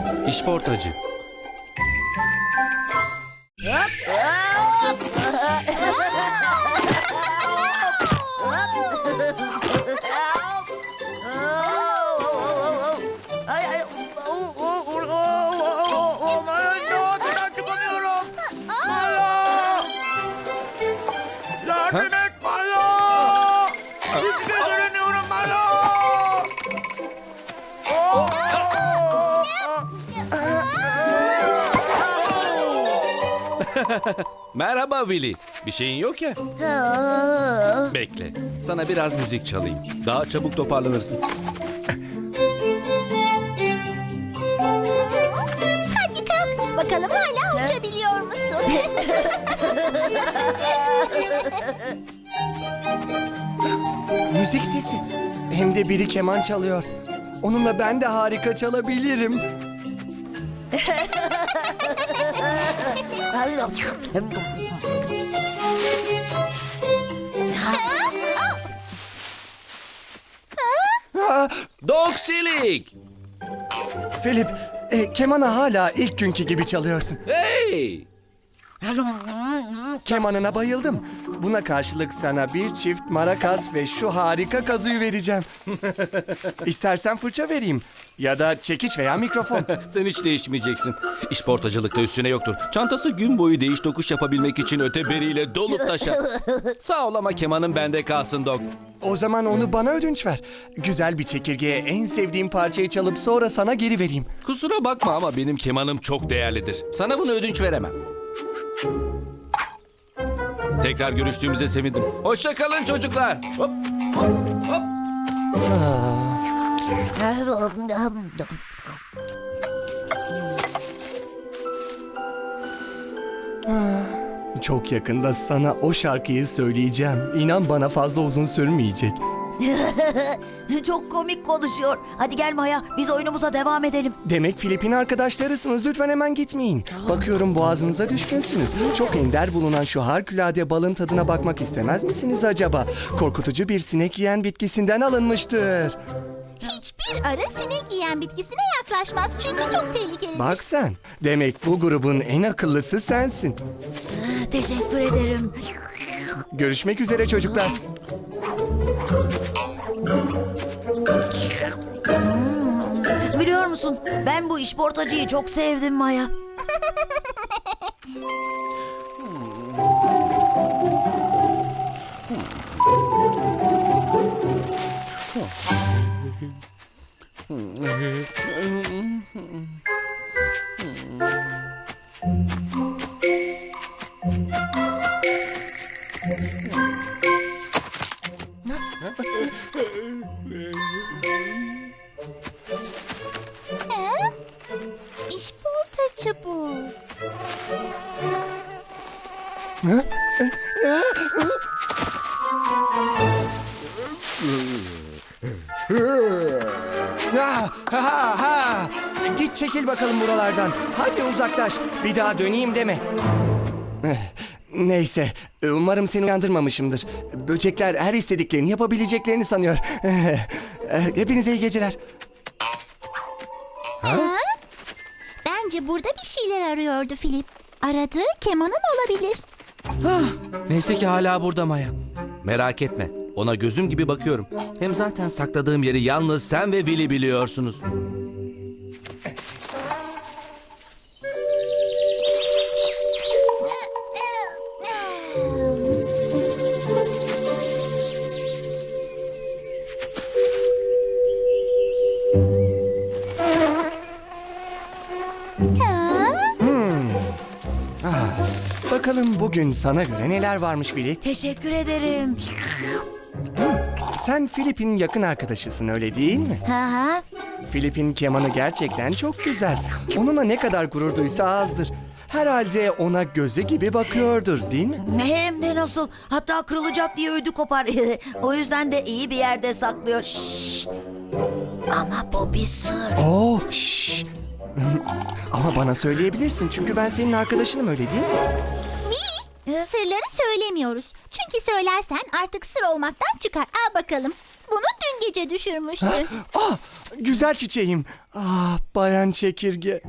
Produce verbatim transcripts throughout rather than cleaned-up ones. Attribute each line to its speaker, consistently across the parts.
Speaker 1: İşportacı.
Speaker 2: Ay ay. o- o- o- o- o- o- Maya, şu altından çıkamıyorum. Maya! Yardım et Maya! Hiçbir şey göremiyorum Maya! Oo!
Speaker 1: Merhaba Willy. Bir şeyin yok ya. Bekle. Sana biraz müzik çalayım. Daha çabuk toparlanırsın.
Speaker 3: Hadi kalk. Bakalım hala uçabiliyor musun?
Speaker 4: Müzik sesi. Hem de biri keman çalıyor. Onunla ben de harika çalabilirim. Ah,
Speaker 1: Doksilik!
Speaker 4: Philip, e, kemanı hala ilk günkü gibi çalıyorsun.
Speaker 1: Hey!
Speaker 4: Kemanına bayıldım. Buna karşılık sana bir çift marakas ve şu harika kazuyu vereceğim. İstersen fırça vereyim. Ya da çekiç veya mikrofon.
Speaker 1: Sen hiç değişmeyeceksin. İşportacılıkta üstüne yoktur. Çantası gün boyu değiş tokuş yapabilmek için öteberiyle dolup taşar. Sağ ol ama kemanın bende kalsın Dok.
Speaker 4: O zaman onu bana ödünç ver. Güzel bir çekirgeye en sevdiğim parçayı çalıp sonra sana geri vereyim.
Speaker 1: Kusura bakma ama benim kemanım çok değerlidir. Sana bunu ödünç veremem. Tekrar görüştüğümüze sevindim. Hoşça kalın çocuklar. Hop, hop, hop.
Speaker 4: Çok yakında sana o şarkıyı söyleyeceğim. İnan bana fazla uzun sürmeyecek.
Speaker 2: Çok komik konuşuyor. Hadi gel Maya, biz oyunumuza devam edelim.
Speaker 4: Demek Filipin arkadaşlarısınız. Lütfen hemen gitmeyin. Bakıyorum boğazınıza düşkünsünüz. Çok ender bulunan şu harikulade balın tadına bakmak istemez misiniz acaba? Korkutucu bir sinek yiyen bitkisinden alınmıştır.
Speaker 3: Hiçbir arı sinek yiyen bitkisine yaklaşmaz çünkü çok tehlikelidir.
Speaker 4: Bak sen. Demek bu grubun en akıllısı sensin.
Speaker 2: Teşekkür ederim.
Speaker 4: Görüşmek üzere çocuklar.
Speaker 2: Biliyor musun, ben bu işportacıyı çok sevdim Maya.
Speaker 3: He? İşportacı bu.
Speaker 4: Ha, ha, ha. Git çekil bakalım buralardan. Hadi uzaklaş. Bir daha döneyim deme. Eh, Neyse. Umarım seni uyandırmamışımdır. Böcekler her istediklerini yapabileceklerini sanıyor. Eh, Hepinize iyi geceler.
Speaker 3: Bence burada bir şeyler arıyordu Filip. Aradığı kemanın olabilir.
Speaker 1: Neyse ki hala burada Maya. Merak etme. Ona gözüm gibi bakıyorum. Hem zaten sakladığım yeri yalnız sen ve Willy biliyorsunuz.
Speaker 3: Ha?
Speaker 4: Bakalım bugün sana göre neler varmış Willy?
Speaker 2: Teşekkür ederim.
Speaker 4: Sen Filip'in yakın arkadaşısın öyle değil mi?
Speaker 2: Ha ha.
Speaker 4: Filip'in kemanı gerçekten çok güzel. Onunla ne kadar gurur duysa azdır. Herhalde ona gözü gibi bakıyordur değil mi?
Speaker 2: Hem de nasıl. Hatta kırılacak diye ödü kopar. O yüzden de iyi bir yerde saklıyor. Şşş. Ama bu bir sır.
Speaker 4: Oo, şşş. Ama bana söyleyebilirsin çünkü ben senin arkadaşınım öyle değil mi?
Speaker 3: Mini, sırları söylemiyoruz. Çünkü söylersen artık sır olmaktan çıkar. Al bakalım. Bunu dün gece düşürmüşsün.
Speaker 4: Ah, güzel çiçeğim. Ah, Bayan Çekirge.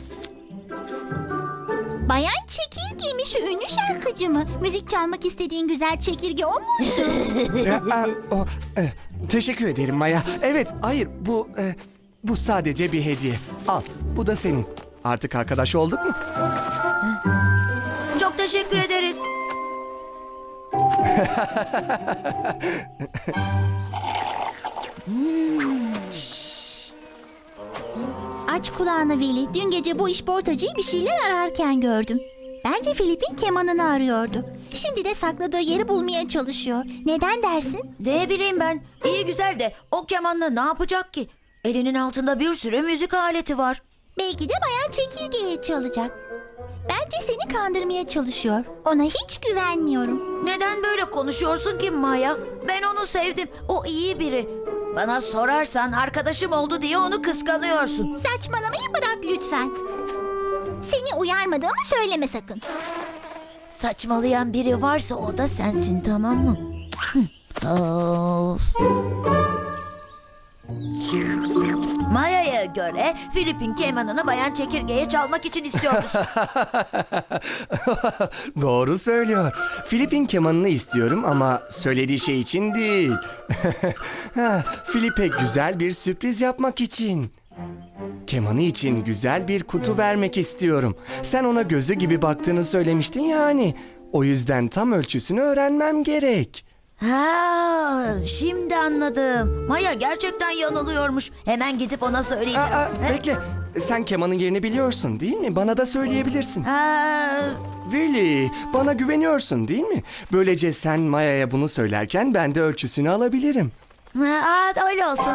Speaker 3: Bayan Çekirge mi, şu ünlü şarkıcı mı? Müzik çalmak istediğin güzel çekirge o muydu?
Speaker 4: E, a, o, e, teşekkür ederim Maya. Evet, hayır bu e, bu sadece bir hediye. Al, bu da senin. Artık arkadaş olduk mu?
Speaker 2: Çok teşekkür ederiz.
Speaker 3: Aç kulağını Willy. Dün gece bu işportacıyı bir şeyler ararken gördüm. Bence Filip'in kemanını arıyordu. Şimdi de sakladığı yeri bulmaya çalışıyor. Neden dersin?
Speaker 2: Ne bileyim ben. İyi güzel de o kemanla ne yapacak ki? Elinin altında bir sürü müzik aleti var.
Speaker 3: Belki de Bayan Çekirge'yi çalacak. Bence seni kandırmaya çalışıyor. Ona hiç güvenmiyorum.
Speaker 2: Neden böyle konuşuyorsun ki Maya? Ben onu sevdim. O iyi biri. Bana sorarsan arkadaşım oldu diye onu kıskanıyorsun.
Speaker 3: Saçmalamayı bırak lütfen. Seni uyarmadığımı söyleme sakın.
Speaker 2: Saçmalayan biri varsa o da sensin, tamam mı? Hı. Of. Maya'ya göre Filip'in kemanını Bayan Çekirge'ye çalmak için istiyoruz.
Speaker 4: Doğru söylüyor. Filip'in kemanını istiyorum ama söylediği şey için değil. Ha, Filip'e güzel bir sürpriz yapmak için. Kemanı için güzel bir kutu vermek istiyorum. Sen ona gözü gibi baktığını söylemiştin yani. O yüzden tam ölçüsünü öğrenmem gerek.
Speaker 2: Ha, şimdi anladım. Maya gerçekten yanılıyormuş. Hemen gidip ona söyleyeceğim.
Speaker 4: Aa, bekle. Sen kemanın yerini biliyorsun değil mi? Bana da söyleyebilirsin.
Speaker 2: Ha,
Speaker 4: Willy, bana güveniyorsun değil mi? Böylece sen Maya'ya bunu söylerken ben de ölçüsünü alabilirim.
Speaker 2: ha, öyle olsun.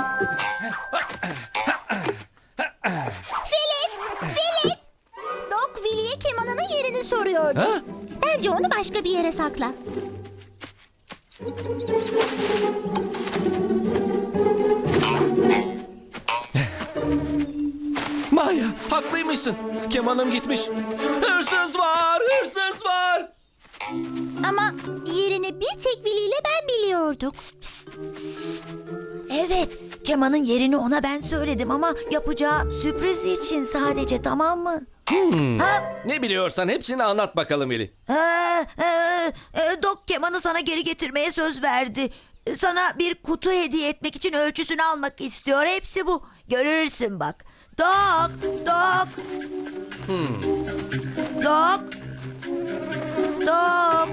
Speaker 3: Filip! Filip! Doc Willy'ye kemanının yerini soruyordu.
Speaker 1: Ha?
Speaker 3: Bence onu başka bir yere sakla.
Speaker 1: Maya, haklıymışsın. Kemanım gitmiş. Hırsız var, hırsız var.
Speaker 3: Ama yerini bir tek Willy ile ben biliyorduk.
Speaker 2: Evet, kemanın yerini ona ben söyledim ama yapacağı sürpriz için sadece, tamam mı? Ha,
Speaker 1: Ne biliyorsan hepsini anlat bakalım Eli.
Speaker 2: ha, e, e, Dok kemanı sana geri getirmeye söz verdi. Sana bir kutu hediye etmek için ölçüsünü almak istiyor. Hepsi bu. Görürsün bak. Dok, Dok. Dok. Dok.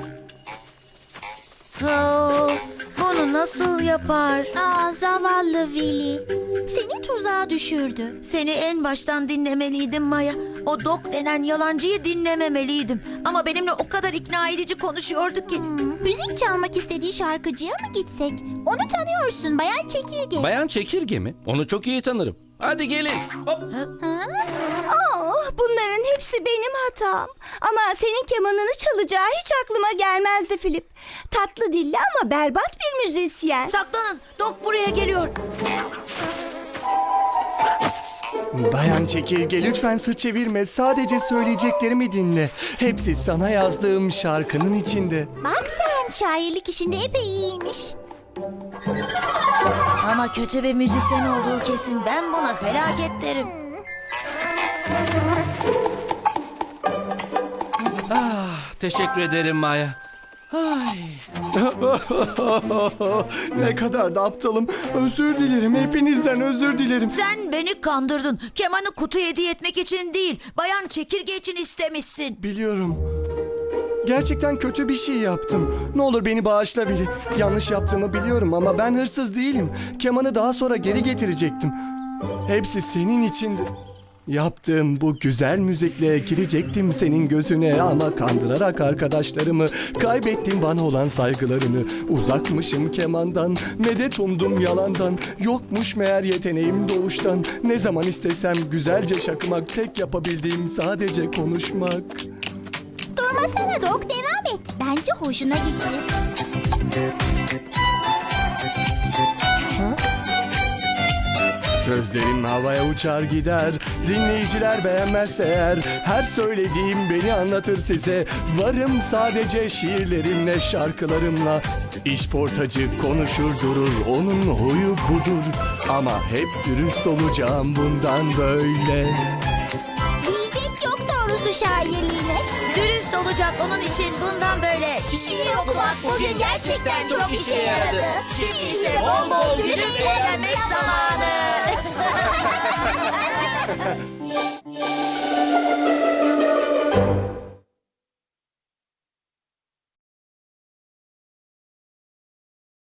Speaker 2: Oh, bunu nasıl yapar?
Speaker 3: Aa, zavallı Willy. Seni tuzağa düşürdü.
Speaker 2: Seni en baştan dinlemeliydim Maya. O Dok denen yalancıyı dinlememeliydim. Ama benimle o kadar ikna edici konuşuyordu ki.
Speaker 3: Hmm, müzik çalmak istediği şarkıcıya mı gitsek? Onu tanıyorsun, Bayan Çekirge.
Speaker 1: Bayan Çekirge mi? Onu çok iyi tanırım. Hadi gelin. Hop.
Speaker 5: Oh, bunların hepsi benim hatam. Ama senin kemanını çalacağı hiç aklıma gelmezdi Filip. Tatlı dilli ama berbat bir müzisyen.
Speaker 2: Saklanın. Dok buraya geliyor.
Speaker 4: Bayan Çekirge lütfen sırt çevirme. Sadece söyleyeceklerimi dinle. Hepsi sana yazdığım şarkının içinde.
Speaker 3: Bak sen, şairlik işinde epey iyiymiş.
Speaker 2: Ama kötü bir müzisyen olduğu kesin. Ben buna felaket derim.
Speaker 1: Teşekkür ederim Maya. Ay.
Speaker 4: Ne kadar da aptalım. Özür dilerim. Hepinizden özür dilerim.
Speaker 2: Sen beni kandırdın. Kemanı kutu hediye etmek için değil, Bayan Çekirge için istemişsin.
Speaker 4: Biliyorum. Gerçekten kötü bir şey yaptım. Ne olur beni bağışla Willy. Yanlış yaptığımı biliyorum ama ben hırsız değilim. Kemanı daha sonra geri getirecektim. Hepsi senin içindi. Yaptığım bu güzel müzikle girecektim senin gözüne ama kandırarak arkadaşlarımı kaybettim bana olan saygılarını. Uzakmışım kemandan, medet umdum yalandan. Yokmuş meğer yeteneğim doğuştan. Ne zaman istesem güzelce şakımak, tek yapabildiğim sadece konuşmak.
Speaker 3: Durmasana Doc, devam et. Bence hoşuna gitti.
Speaker 4: Sözlerim havaya uçar gider. Dinleyiciler beğenmezse eğer, her söylediğim beni anlatır size. Varım sadece şiirlerimle, şarkılarımla. İşportacı konuşur durur, onun huyu budur. Ama hep dürüst olacağım bundan böyle.
Speaker 3: Diyecek yok doğrusu şairliğine.
Speaker 2: Dürüst olacak onun için bundan böyle. Şiir okumak bugün gerçekten çok işe yaradı. Şimdi ise bol bol gülüp eğlenmek zamanı.